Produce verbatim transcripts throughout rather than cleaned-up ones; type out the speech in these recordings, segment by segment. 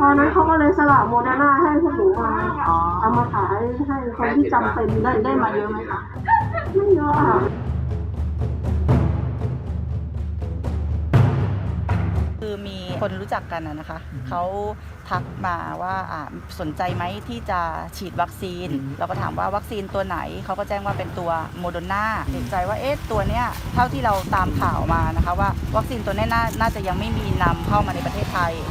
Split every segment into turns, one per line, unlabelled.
อนั้นเขาก็เลยสละโมเดอร์นาให้พวกหนูมาเอามาขายให้คนที่จำเป็น
ได้ได้มาเยอะไหมคะ
ไม่เยอะค่ะ
คือมีคนรู้จักกันนะคะเขาทักมาว่าสนใจไหมที่จะฉีดวัคซีนเราก็ถามว่าวัคซีนตัวไหนเขาก็แจ้งว่าเป็นตัวโมเดอร์นาเอกใจว่าเอ๊ะตัวเนี้ยเท่าที่เราตามข่าวมานะคะว่าวัคซีนตัวนี้น่าน่าจะยังไม่มีนำเข้ามาในประเทศไทย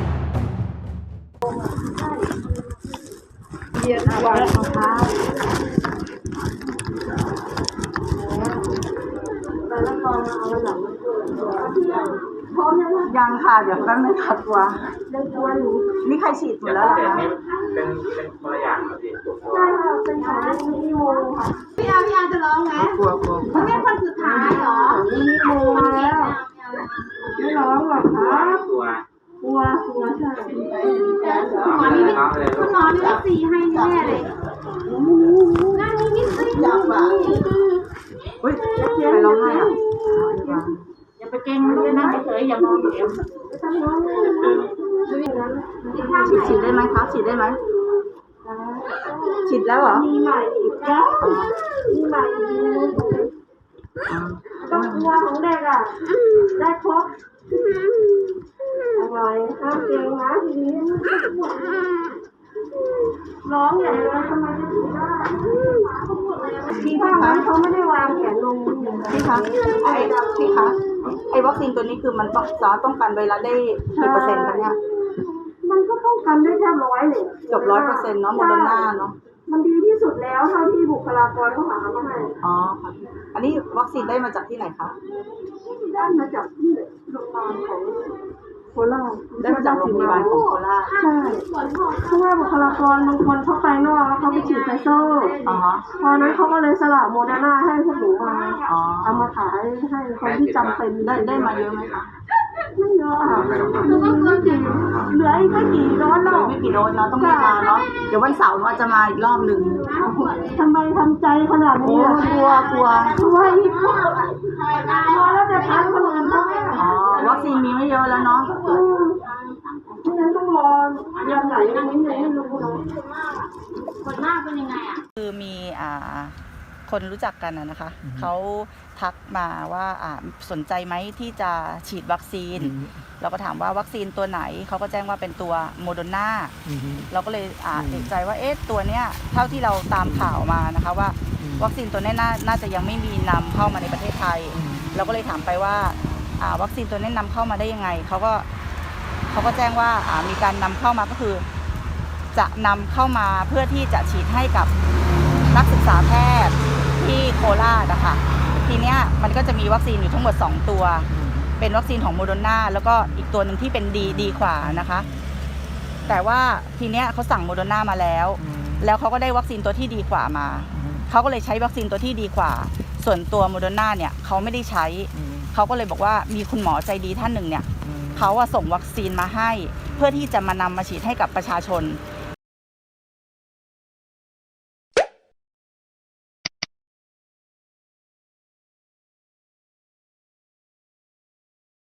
เรียนวางรองเท้าแต่ละกองเอาไว้หลังพร้อมยัง
ยังค่ะเดี๋ยวแป๊บนึงค่ะตัว
ได้ตัวอยู่
นี่ใครฉีดหมดแล้วเหรอคะ
เป็นเป็นคนละอย่างครับพี่
ใช่ค่ะเป็นของนิโมค่ะพี่อาพี่อาจะร้องไหม
กลัวกลัว
เขาเรียกคนสุดท้ายเหรอนิโมมาแล้วไม่ร้องหรอกคะ
กลัว
กลัวกลัวใช่
คุณหมอนี่
คุณหมอนี่สีให้แน่เลยนั่นนี่นี่สิจับอ่ะ
เฮ้ยไปร้องไห้อ่ะ
อย่าไปเก่งเลยนะเฉยอย่ามองเดี๋ยวทำน้อง
ฉีดฉีดได้ไหมคะฉีดได้ไหมฉีดแล้วเหรอ
มีใหม่อีกแล้วมีใหม่อีกต้องกลัวของเด็กอ่ะได้ครบอะไรห้ามเก่งนะทีนี้ร้องใหญ่เลยทำไมจะถึงได้พี่คะเขาไม่ได้วางแขนลง
พี่คะไอ้พี่คะไอ้วัคซีนตัวนี้คือมันต้องสามารถป้องกันไวรัสได้กี่เปอร์เซ็นต์คะเนี่ย
มันก็ป้องกันได้แค่ร้อยเลย
เกือบร้อยเปอร์เซ็นต์เนาะโมเดอร์นาเนาะ
มันดีที่สุดแล้วเท่าที่บุคลากรเขาหามาให้
อ๋อค่ะอันนี้วัคซีนได้มาจากที่ไหนคะ
ได้มาจากที่โรงพยาบาลของโคราช
ได้มาจากโรงพยาบาลของโคราช
ใช่เพราะว่าบุคลากรบางคนเขาไปนอกแล้วเขาไปฉีดไฟเซอร์พอนั้นเขาก็เลยสละโมเดอร์นาให้พวกหนูมาเอามาขายให้คนที่จำเป็น
ได้ได้มาเยอะไหมคะ
ไม่เยอะค่ะเหลืออีกไม่กี่โดสหรอก
ไม่กี่โดสเนาะต้องมาเนาะเดี๋ยววันเสาร์เราจะมาอีกรอบหนึ่ง
ทำไมทำใจขนาดนี้
กลัวกลัว
กลัวอีกกลัวแล้วจะทันคนอื่นเขา
อ๋อวัคซีนมีไม่เยอะแล้วเนาะ
ไม่งั้นต้องรอยังไหนอันนี้ยังไม่รู้นะคนมากเป็นยังไงอ่ะ
คือมีอ่าคนรู้จักกันนะคะเขาทักมาว่าสนใจไหมที่จะฉีดวัคซีนเราก็ถามว่าวัคซีนตัวไหนเขาก็แจ้งว่าเป็นตัวโมเดอร์นาเราก็เลยเอกใจว่าเอ๊ะตัวเนี้ยเท่าที่เราตามข่าวมานะคะว่าวัคซีนตัวนี้น่าน่าจะยังไม่มีนำเข้ามาในประเทศไทยเราก็เลยถามไปว่าวัคซีนตัวนี้นำเข้ามาได้ยังไงเขาก็เขาก็แจ้งว่ามีการนำเข้ามาก็คือจะนำเข้ามาเพื่อที่จะฉีดให้กับนักศึกษาแพทย์ที่โคราชนะคะทีเนี้ยมันก็จะมีวัคซีนอยู่ทั้งหมดสองตัวเป็นวัคซีนของโมเดอร์นาแล้วก็อีกตัวหนึ่งที่เป็นดีดีกว่านะคะแต่ว่าทีเนี้ยเขาสั่งโมเดอร์นามาแล้วแล้วเขาก็ได้วัคซีนตัวที่ดีกว่ามาเขาก็เลยใช้วัคซีนตัวที่ดีกว่าส่วนตัวโมเดอร์นาเนี่ยเขาไม่ได้ใช้เขาก็เลยบอกว่ามีคุณหมอใจดีท่านหนึ่งเนี่ยเขาส่งวัคซีนมาให้เพื่อที่จะมานำมาฉีดให้กับประชาชน